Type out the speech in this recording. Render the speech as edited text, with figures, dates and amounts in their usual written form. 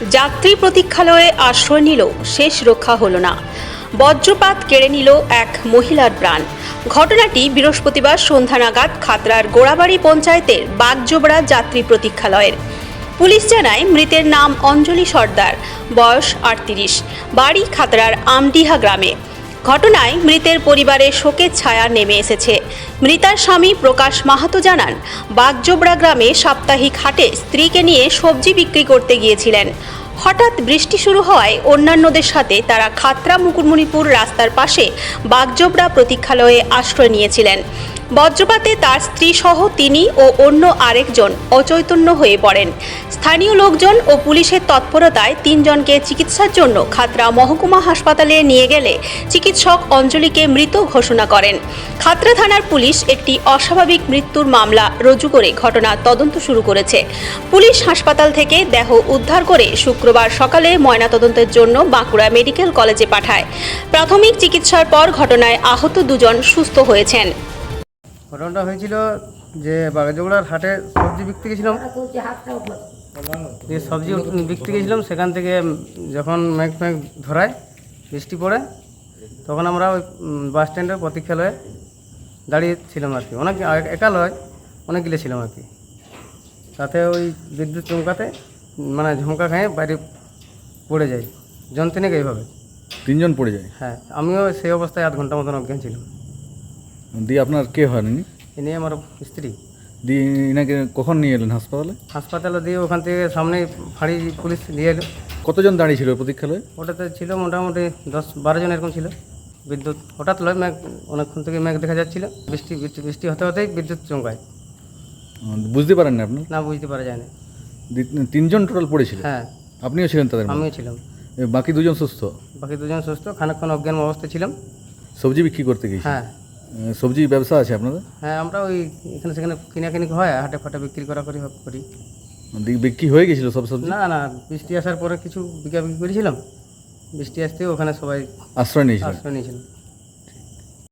যাত্রী প্রতীক্ষালয়ে আশ্রয় নিল, শেষ রক্ষা হলো না। বজ্রপাত কেড়ে নিল এক মহিলার প্রাণ। ঘটনাটি বৃহস্পতিবার সন্ধ্যা নাগাদ খাতড়ার গোড়াবাড়ি পঞ্চায়েতের বাগজোবড়া যাত্রী প্রতীক্ষালয়ের। পুলিশ জানায় মৃতের নাম অঞ্জলি সর্দার, বয়স ৩৮, বাড়ি খাতড়ার আমডিহা গ্রামে। ঘটনায় মৃতের পরিবারে শোকের ছায়া নেমে এসেছে। মৃতার স্বামী প্রকাশ মাহাতো জানান, বাগজোবড়া গ্রামে সাপ্তাহিক হাটে স্ত্রীকে নিয়ে সবজি বিক্রি করতে গিয়েছিলেন। হঠাৎ বৃষ্টি শুরু হওয়ায় অন্যান্যদের সাথে তারা খাতড়া মুকুটমণিপুর রাস্তার পাশে বাগজোবড়া প্রতীক্ষালয়ে আশ্রয় নিয়েছিলেন। বজ্রপাতে তার স্ত্রী সহ তিনি ও অন্য আরেকজন অচৈতন্য হয়ে পড়েন। স্থানীয় লোকজন ও পুলিশের তৎপরতায় ৩ জনকে চিকিৎসার জন্য খাতড়া মহকুমা হাসপাতালে নিয়ে গেলে চিকিৎসক অঞ্জলিকে মৃত ঘোষণা করেন। খাতড়া থানার পুলিশ একটি অস্বাভাবিক মৃত্যুর মামলা রুজু করে ঘটনার তদন্ত শুরু করেছে। পুলিশ হাসপাতাল থেকে দেহ উদ্ধার করে শুক্রবার সকালে ময়নাতদন্তের জন্য বাঁকুড়া মেডিকেল কলেজে পাঠায়। প্রাথমিক চিকিৎসার পর ঘটনায় আহত 2 জন সুস্থ হয়েছেন। ঘটনাটা হয়েছিল যে বাগজোবড়ার হাটে সবজি বিক্রি গেছিলাম, যে সবজি বিক্রি গেছিলাম সেখান থেকে যখন মেঘ ধরায় বৃষ্টি পড়ে, তখন আমরা ওই বাস স্ট্যান্ডের প্রতীক্ষালয়ে দাঁড়িয়েছিলাম আর কি। অনেক একা লয়, অনেকগুলো ছিলাম আর কি। তাতে ওই বিদ্যুৎ চমকাতে মানে ঝমকা খেয়ে বাইরে পড়ে যায়, যন্ত্রণিক এইভাবে 3 জন পড়ে যায়। হ্যাঁ, আমিও সেই অবস্থায় 8 ঘন্টা মতন অজ্ঞান ছিলাম। দিয়ে আপনার কে হয়নি? এ নিয়ে আমার স্ত্রী। দিয়ে ইনাকে কখন নিয়ে এলেন হাসপাতালে? হাসপাতালে দিয়ে ওখান থেকে সামনে ফাঁড়ি পুলিশ দিয়ে এলো। কতজন দাঁড়িয়ে ছিল প্রতীক্ষালয়ে? ওটাতে ছিল মোটামুটি 10-12 জন এরকম ছিল। বিদ্যুৎ হঠাৎ লয়, মেঘ অনেকক্ষণ থেকে মেঘ দেখা যাচ্ছিল, বৃষ্টি হতে হতেই বিদ্যুৎ চমকায়। বুঝতে পারেন না আপনি? না, বুঝতে পারা যায় না। 3 জন টোটাল পড়েছিল? হ্যাঁ, আপনিও ছিলেন তাদের মধ্যে? আমিও ছিলাম। বাকি 2 জন সুস্থ? বাকি 2 জন সুস্থ, খানিকক্ষণ অজ্ঞান অবস্থায় ছিলাম। সবজি বিক্রি করতে গিয়েছি? হ্যাঁ সবজি ব্যবসা আছে আপনাদের? হ্যাঁ, আমরা ওই এখানে সেখানে কিনাকিনি হয়, হাটে ফাটে বিক্রি করি। বিক্রি হয়ে গেছিল সব সবজি? না না, বৃষ্টি আসার পরে কিছু বিক্রি করেছিলাম। বৃষ্টি আসতে ওখানে সবাই আশ্রয় নিয়েছিল? আশ্রয় নিয়েছিলাম।